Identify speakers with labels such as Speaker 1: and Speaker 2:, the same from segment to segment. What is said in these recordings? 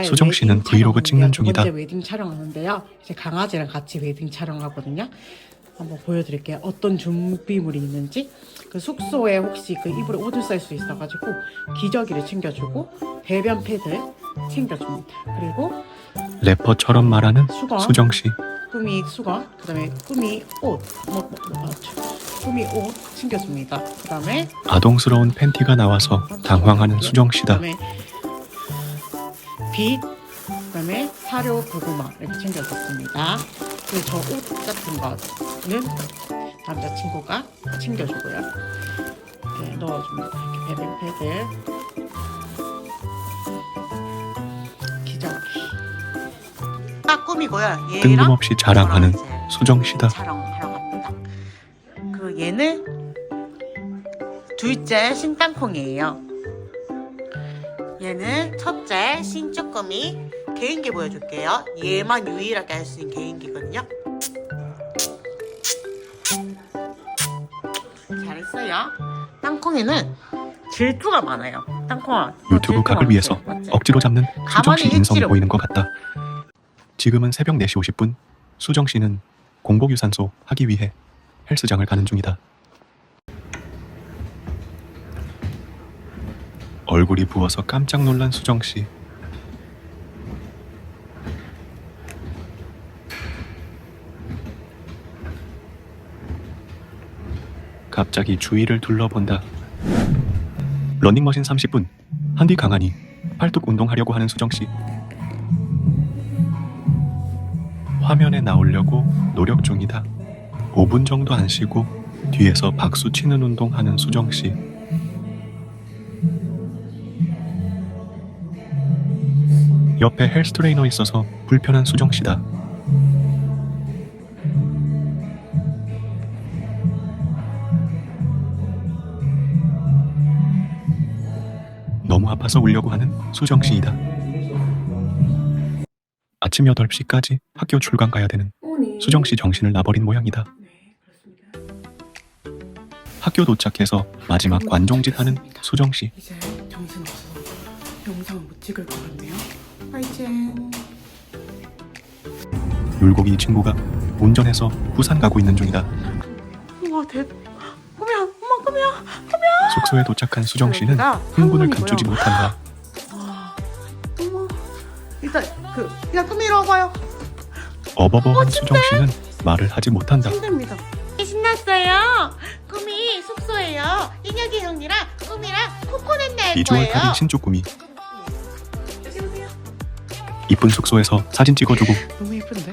Speaker 1: 수정 씨는 브이로그 찍는 중이다.
Speaker 2: 두 번째 웨딩 촬영하는데요. 이제 강아지랑 같이 웨딩 촬영하거든요. 한번 보여드릴게요. 어떤 준비물이 있는지. 그 숙소에 혹시 그 이불에 오줌 쌀 수 있어가지고 기저귀를 챙겨주고 배변 패드 챙겨줍니다. 그리고
Speaker 1: 래퍼처럼 말하는
Speaker 2: 수건,
Speaker 1: 수정 씨.
Speaker 2: 꾸미 수건, 그다음에 꾸미 옷, 꾸미 옷 챙겨줍니다. 그다음에
Speaker 1: 아동스러운 팬티가 나와서 당황하는 수정 씨다.
Speaker 2: 그다음에 빛, 그다음에 사료, 고구마 이렇게 챙겨줬습니다. 그리고 저 옷 같은 거는 남자친구가 챙겨주고요. 이렇게 넣어줍니다. 이렇게 배변 패드, 기저귀. 딱 꾸미고요. 얘랑
Speaker 1: 뜬금없이 자랑하는
Speaker 2: 저랑 이제
Speaker 1: 수정 씨다.
Speaker 2: 촬영하러 갑니다. 그 얘는 둘째 신땅콩이에요. 얘는 첫째 신쭈꾸미. 개인기 보여줄게요. 얘만 유일하게 할 수 있는 개인기거든요. 잘했어요. 땅콩이는 질투가 많아요. 땅콩아.
Speaker 1: 유튜브 각을 위해서 억지로 잡는 수정 씨 인성이 보이는 것 같다. 지금은 새벽 4시 50분. 수정 씨는 공복 유산소 하기 위해 헬스장을 가는 중이다. 얼굴이 부어서 깜짝 놀란 수정 씨. 갑자기 주위를 둘러본다. 러닝머신 30분. 한뒤 강하니 팔뚝 운동하려고 하는 수정 씨. 화면에 나오려고 노력 중이다. 5분 정도 안 쉬고 뒤에서 박수 치는 운동하는 수정 씨. 옆에 헬스 트레이너 있어서 불편한 수정 씨다. 너무 아파서 울려고 하는 수정 씨이다. 아침 8시까지 학교 출강 가야 되는 수정 씨 정신을 놔버린 모양이다. 학교 도착해서 마지막 관종짓 하는 수정 씨.
Speaker 2: 이제 정신없어. 영상을 못 찍을 것 같네요. 파이팅.
Speaker 1: 율곡이 친구가 운전해서 부산 가고 있는 중이다.
Speaker 2: 우와 꾸미야, 엄마 꾸미야.
Speaker 1: 숙소에 도착한 수정 씨는 흥분을 감추지 못한다.
Speaker 2: 어머. 일단 꾸미러 와봐요.
Speaker 1: 어버버한 수정 씨는 말을 하지 못한다.
Speaker 2: 힘듭니다. 신났어요. 꾸미 숙소에요. 인혁이 형이랑 꾸미랑 코코넷 낼
Speaker 1: 비주얼
Speaker 2: 거예요.
Speaker 1: 달인 신쭈꾸미. 이쁜 숙소에서 사진 찍어주고
Speaker 2: 너무 예쁜데?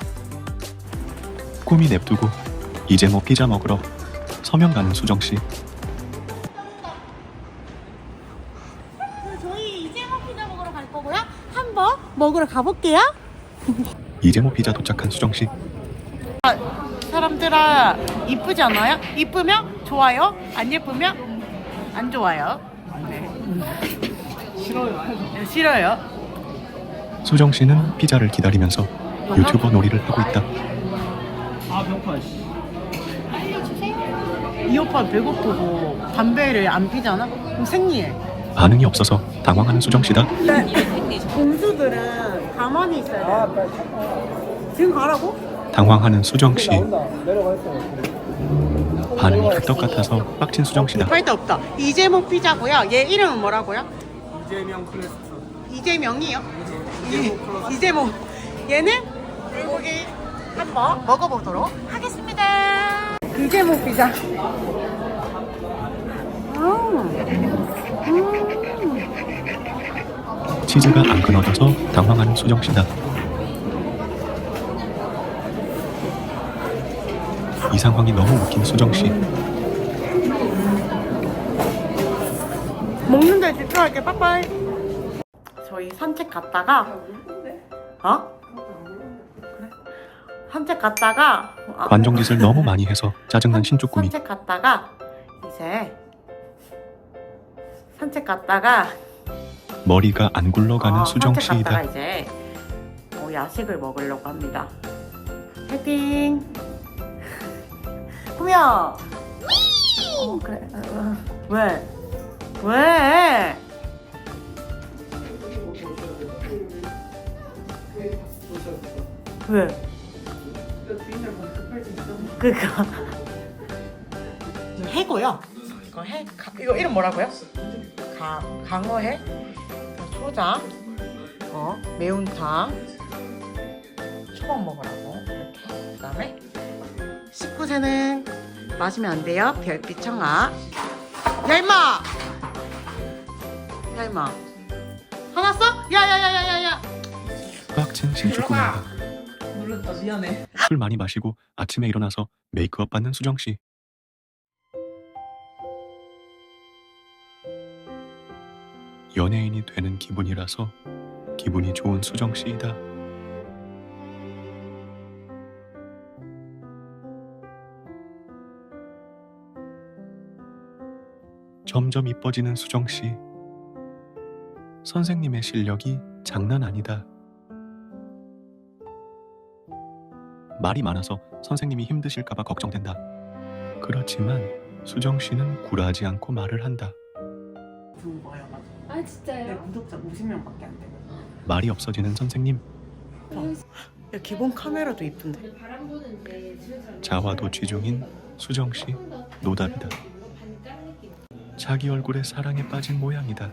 Speaker 1: 꾸미 냅두고 이제 뭐 피자 먹으러 서면 가는 수정 씨.
Speaker 2: 저희 이재모 피자 먹으러 갈 거고요. 한번 먹으러 가볼게요.
Speaker 1: 이제 뭐 피자 도착한 수정 씨.
Speaker 2: 사람들아 이쁘지 않아요? 이쁘면 좋아요. 안 예쁘면 안 좋아요. 네. 싫어요. 싫어요.
Speaker 1: 수정 씨는 피자를 기다리면서 유튜버 놀이를 하고 있다.
Speaker 3: 아 배고파.
Speaker 2: 이 오빠 배고프고 담배를 안 피잖아? 그럼 생리해.
Speaker 1: 반응이 없어서 당황하는 수정 씨다.
Speaker 2: 공주들은 가만히 있어야 돼. 지금 가라고?
Speaker 1: 당황하는 수정 씨.
Speaker 3: 내려가 있어.
Speaker 1: 반응이 극덕 같아서 빡친 수정 씨다.
Speaker 2: 빨대 없다. 이재모 피자고요. 얘 이름은 뭐라고요?
Speaker 3: 이재명 클래스.
Speaker 2: 이재명이요? 이재모. 얘는 불고기 한번 먹어보도록 하겠습니다. 이재모 피자.
Speaker 1: 치즈가 안 끊어져서 당황하는 수정 씨다. 이 상황이 너무 웃긴 수정 씨.
Speaker 2: 먹는데 집중할게. 빠빠이. 저희 산책 갔다가 그래? 산책 갔다가
Speaker 1: 관종짓을 너무 많이 해서 짜증난 신쭈꾸미.
Speaker 2: 산책 갔다가 이제 산책 갔다가
Speaker 1: 머리가 안 굴러가는 수정
Speaker 2: 산책 갔다가
Speaker 1: 씨이다.
Speaker 2: 이제 야식을 먹으려고 합니다. 화이팅! 꾸미야! 그래. 왜? 왜? 왜? 그니까 이거 해고요. 이거 해. 이거 이름 뭐라고요? 강어해. 초장. 매운탕. 초밥 먹으라고. 이렇게. 그다음에 19세는 마시면 안 돼요. 별빛 청아. 야 임마. 야 임마. 화났어? 야야야야야야.
Speaker 1: 빡친 신축구입니다.
Speaker 3: 눌렀다 미안해.
Speaker 1: 술 많이 마시고 아침에 일어나서 메이크업 받는 수정씨. 연예인이 되는 기분이라서 기분이 좋은 수정씨이다. 점점 이뻐지는 수정씨. 선생님의 실력이 장난 아니다. 말이 많아서 선생님이 힘드실까봐 걱정된다. 그렇지만 수정씨는 굴하지 않고 말을 한다.
Speaker 2: 좋은 거예요.
Speaker 4: 아
Speaker 2: 내
Speaker 4: 진짜요?
Speaker 2: 구독자 50명밖에 안 돼.
Speaker 1: 말이 없어지는 선생님.
Speaker 2: 야, 기본 카메라도 이쁜데.
Speaker 4: 바람 부는데
Speaker 1: 자화도 쥐중인 수정씨 노답이다. 자기 얼굴에 사랑에 빠진 모양이다.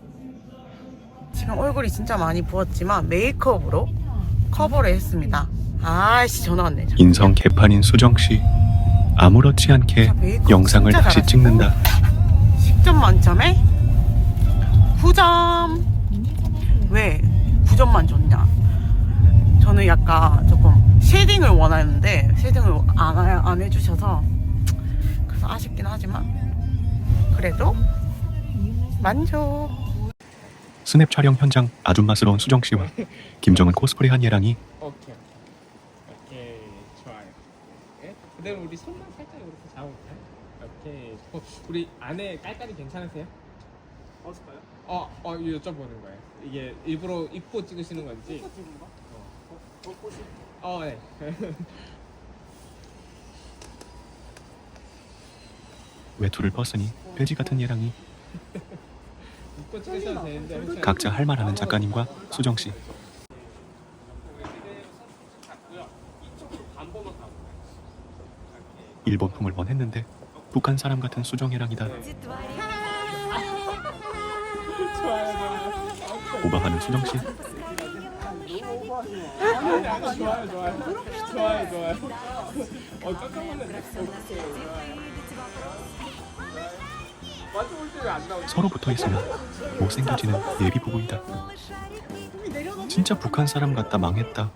Speaker 2: 지금 얼굴이 진짜 많이 부었지만 메이크업으로 커버를 했습니다. 아이씨 전화 왔네.
Speaker 1: 인성 개판인 수정씨. 아무렇지 않게
Speaker 2: 자, 메이크업
Speaker 1: 영상을
Speaker 2: 진짜
Speaker 1: 다시
Speaker 2: 잘하시고.
Speaker 1: 찍는다.
Speaker 2: 10점 만점에 9점. 왜 9점만 줬냐? 저는 약간 조금 쉐딩을 원하는데 쉐딩을 안 해주셔서 그래서 아쉽긴 하지만 그래도 만족.
Speaker 1: 스냅 촬영 현장 아줌마스러운 수정씨와 김정은 코스프레한 예랑이
Speaker 3: 오케이. 오케이 좋아요. 네? 그대로 우리 손만 살짝 이렇게 잡아볼까요? 오케이. 우리 안에 깔깔이 괜찮으세요? 어떨까요? 이거 여쭤보는 거예요. 이게 일부러 입고 찍으시는 건지? 입고 찍는 거? 네.
Speaker 1: 외투를 벗으니 돼지 같은 예랑이.
Speaker 3: 입고 찍으셔도 되는데
Speaker 1: 각자 할 말하는 작가님과 수정씨. 일본풍을 원했는데 북한 사람 같은 수정예랑이다. 오바하는 수정씨.
Speaker 3: 좋아요. 깜짝 놀랐네. 맞춰볼 때왜안 나오지?
Speaker 1: 서로 붙어있으면 못생겨지는 예비 부부이다. 진짜 북한 사람 같다. 망했다.